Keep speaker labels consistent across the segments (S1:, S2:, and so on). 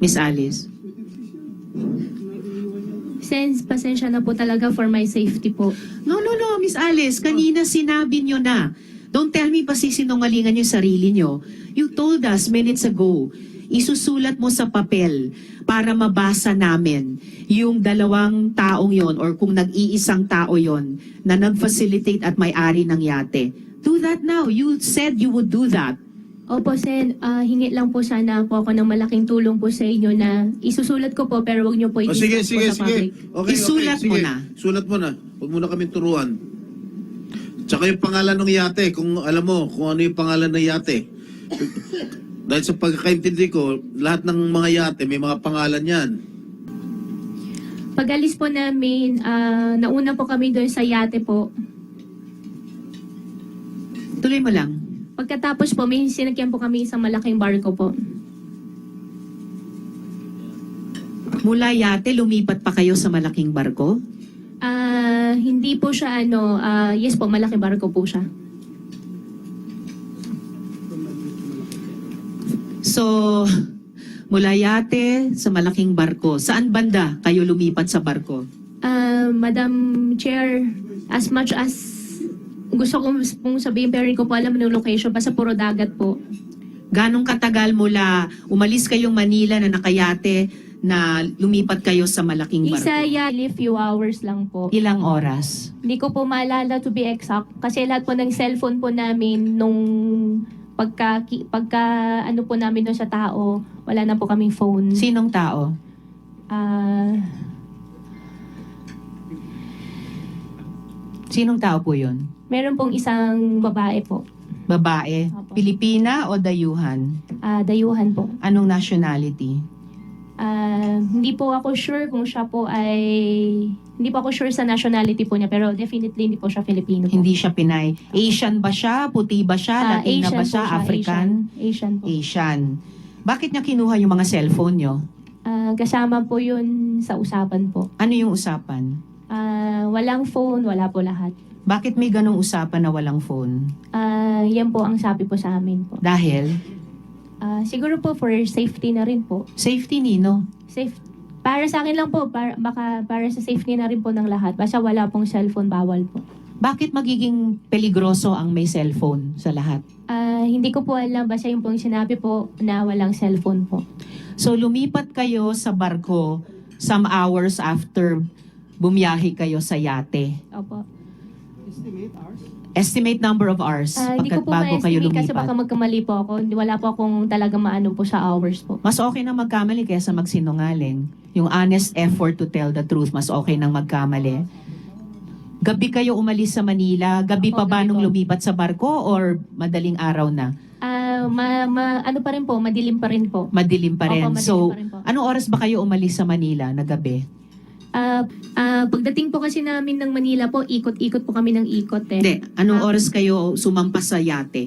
S1: Miss Alice?
S2: Sense, pasensya na po talaga for my safety po.
S1: No, Miss Alice. Kanina sinabi nyo na. Don't tell me pa sisinungalingan yung sarili nyo. You told us minutes ago, isusulat mo sa papel para mabasa namin yung dalawang taong yon or kung nag-iisang tao yon na nag-facilitate at may-ari ng yate. Do that now. You said you would do that.
S2: Opo, Sen, hingi lang po sana po ako ng malaking tulong po sa inyo na isusulat ko po pero wag niyo po
S3: Sige,
S2: i-discuss
S3: sige,
S2: po sa
S3: sige.
S2: public.
S3: Okay,
S1: Isulat mo
S3: sige.
S1: na.
S3: Sulat mo na. Huwag mo na kami turuan. Tsaka yung pangalan ng yate, kung alam mo kung ano yung pangalan ng yate. Dahil sa pagkakaintindi ko, lahat ng mga yate may mga pangalan yan.
S2: Pag-alis po namin, nauna po kami doon sa yate po.
S1: Tuloy mo lang.
S2: Pagkatapos po, may sinakyan po kami sa malaking barko po.
S1: Mula yate, lumipat pa kayo sa malaking barko?
S2: Hindi po siya yes po, malaking barko po siya.
S1: So, mula yate sa malaking barko. Saan banda kayo lumipat sa barko?
S2: Madam Chair, as much as gusto kong sabihin pero hindi ko po alam yung location, basta puro dagat po.
S1: Ganong katagal mula umalis kayong Manila na nakayate na lumipat kayo sa malaking barko?
S2: Few hours lang po.
S1: Ilang oras?
S2: Hindi ko po maalala to be exact kasi lahat po ng cellphone po namin nung pagka ano po namin doon sa tao, wala na po kaming phone.
S1: Sinong tao? Sinong tao po yun?
S2: Meron pong isang babae po.
S1: Babae?
S2: Opo.
S1: Pilipina o dayuhan?
S2: Dayuhan po.
S1: Anong nationality?
S2: Hindi po ako sure kung siya po ay... Hindi po ako sure sa nationality po niya, pero definitely hindi po siya Filipino po.
S1: Hindi siya Pinay. Asian ba siya? Puti ba siya? Latina
S2: Asian
S1: ba
S2: po
S1: siya? African?
S2: Asian po.
S1: Asian. Bakit niya kinuha yung mga cellphone nyo?
S2: Kasama po yun sa usapan po.
S1: Ano yung usapan?
S2: Walang phone, wala po lahat.
S1: Bakit may ganong usapan na walang phone?
S2: Yan po ang sabi po sa amin po.
S1: Dahil?
S2: Siguro po for safety na rin po.
S1: Safety nino?
S2: Para sa akin lang po, baka para sa safety na rin po ng lahat. Basta wala pong cellphone, bawal po.
S1: Bakit magiging peligroso ang may cellphone sa lahat?
S2: Hindi ko po alam, basta yung pong sinabi po na walang cellphone po.
S1: So lumipat kayo sa barko some hours after bumiyahe kayo sa yate.
S2: Opo.
S1: Estimate number of hours
S2: Hindi ko po
S1: bago kayo
S2: ma-estimate kasi baka
S1: lumipat.
S2: magkamali po ako. Wala po akong talaga maano po sa hours po.
S1: Mas okay na magkamali kaysa magsinungaling. Yung honest effort to tell the truth, mas okay nang magkamali. Gabi kayo umalis sa Manila? Gabi
S2: Opo,
S1: pa ba
S2: gabi
S1: nung
S2: po.
S1: lumipat sa barko or madaling araw na?
S2: Ano pa rin po, madilim pa rin po.
S1: Madilim pa rin.
S2: Opo, madilim
S1: So,
S2: pa rin po.
S1: anong oras ba kayo umalis sa Manila na gabi?
S2: Pagdating po kasi namin ng Manila po, ikot-ikot po kami ng ikot eh.
S1: Hindi. Anong oras kayo sumampas sa yate?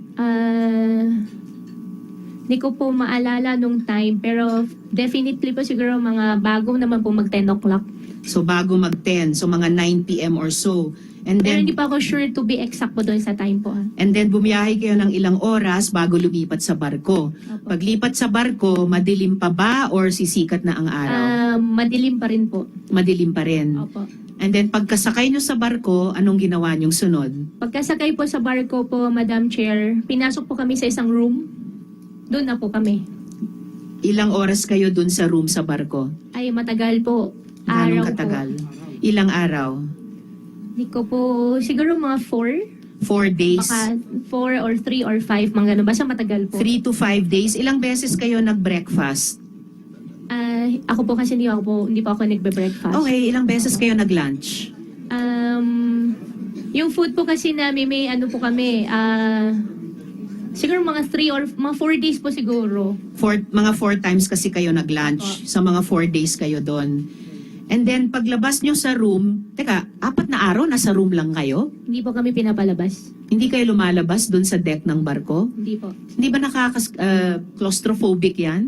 S2: Hindi ko po maalala nung time, pero definitely po siguro mga bago naman po mag 10 o'clock.
S1: So, bago mag-10. So, mga 9 p.m. or so. And
S2: Pero
S1: then,
S2: hindi pa ako sure to be exact po doon sa time po.
S1: and then bumiyahe kayo ng ilang oras bago lumipat sa barko.
S2: Opo.
S1: Paglipat sa barko, madilim pa ba or sisikat na ang araw?
S2: Madilim pa rin po.
S1: Madilim pa rin.
S2: Opo.
S1: And then pagkasakay nyo sa barko, anong ginawa nyong sunod?
S2: Pagkasakay po sa barko po, Madam Chair, pinasok po kami sa isang room. Doon na po kami.
S1: Ilang oras kayo dun sa room sa barko?
S2: Ay, matagal po.
S1: Ganong
S2: Araw
S1: katagal?
S2: po.
S1: Ilang araw?
S2: Hindi ko po, siguro mga 4.
S1: 4 days?
S2: Baka 4 or 3 or 5, mga ganun. Basta matagal po.
S1: 3 to 5 days? Ilang beses kayo nag-breakfast?
S2: Ako po kasi hindi po ako nagbe-breakfast.
S1: Okay, ilang beses kayo nag-lunch?
S2: Yung food po kasi namin, may ano po kami, siguro mga 3 or mga 4 days po siguro.
S1: Mga 4 times kasi kayo nag-lunch.
S2: Opo.
S1: Sa mga 4 days kayo doon. And then, paglabas nyo sa room, teka, 4 na araw, nasa room lang kayo?
S2: Hindi po kami pinapalabas.
S1: Hindi kayo lumalabas doon sa deck ng barko?
S2: Hindi po.
S1: Hindi ba claustrophobic yan?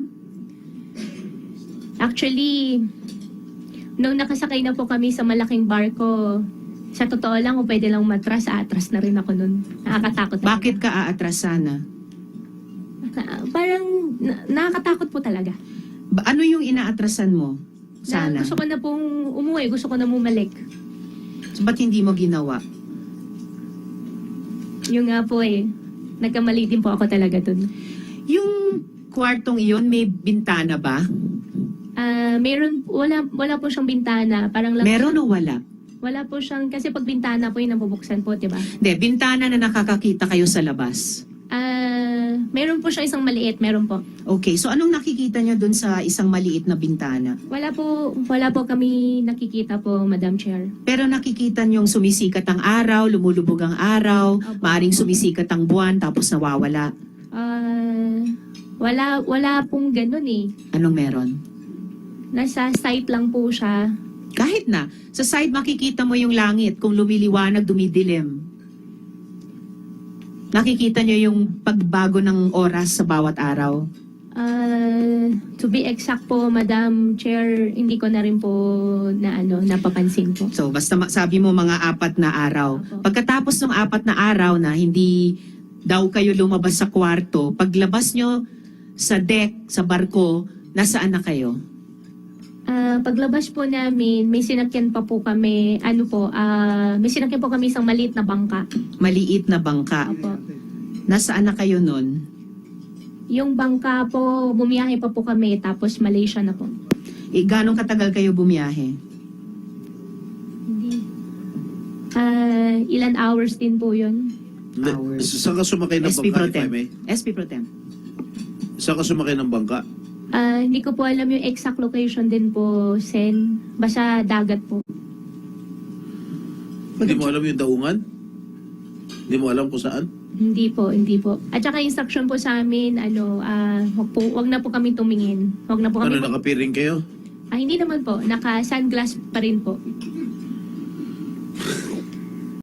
S2: Actually, nung nakasakay na po kami sa malaking barko, sa totoo lang, kung pwede lang atras na rin ako nun. Nakakatakot. talaga.
S1: Bakit ka aatras sana?
S2: Parang nakakatakot po talaga.
S1: Ano yung inaatrasan mo? Sana.
S2: Gusto ko na pong umuwi, gusto ko na bumalik.
S1: So, ba't hindi mo ginawa?
S2: Yung nga po nagkamali din po ako talaga dun.
S1: Yung kwartong iyon, may bintana ba?
S2: Wala po siyang bintana. Parang lang
S1: Meron o wala?
S2: Wala po siyang, kasi pag bintana po yung nabubuksan po, diba?
S1: Hindi, bintana na nakakakita kayo sa labas.
S2: Meron po siya isang maliit, meron po.
S1: Okay, so anong nakikita niyo dun sa isang maliit na bintana?
S2: Wala po kami nakikita po, Madam Chair.
S1: Pero nakikita niyong sumisikat ang araw, lumulubog ang araw,
S2: Opo.
S1: maaring sumisikat ang buwan, tapos nawawala.
S2: Wala pong ganun
S1: Anong meron?
S2: Nasa site lang po siya.
S1: Kahit na, sa side makikita mo yung langit, kung lumiliwanag, dumidilim. Nakikita niyo yung pagbago ng oras sa bawat araw.
S2: To be exact po, Madam Chair, hindi ko na rin po napapansin po.
S1: So, basta sabi mo mga 4 na araw.
S2: Opo.
S1: Pagkatapos ng 4 na araw na hindi daw kayo lumabas sa kwarto, paglabas nyo sa deck, sa barko, nasaan na kayo?
S2: Paglabas po namin, may sinakyan pa po kami, may sinakyan po kami isang maliit na bangka.
S1: Maliit na bangka.
S2: Opo.
S1: Nasaan na kayo nun?
S2: Yung bangka po, bumiyahe pa po kami, tapos Malaysia na po.
S1: Ganong katagal kayo bumiyahe?
S2: Hindi. Ilan hours din po yun.
S1: Hours.
S3: Saan ka sumakay ng
S1: SP Pro
S3: bangka, if I
S1: Tem.
S3: may?
S1: SP Pro Tem.
S3: Saan ka sumakay ng bangka?
S2: Hindi ko po alam yung exact location din po, Sen. Basta dagat po.
S3: Hindi mo alam yung daungan? Hindi mo alam kung saan?
S2: Hindi po. At saka instruction po sa amin, wag na po kami tumingin. Wag na po kami.
S3: Nakapiring kayo?
S2: Hindi naman po. Naka-sunglass pa rin po.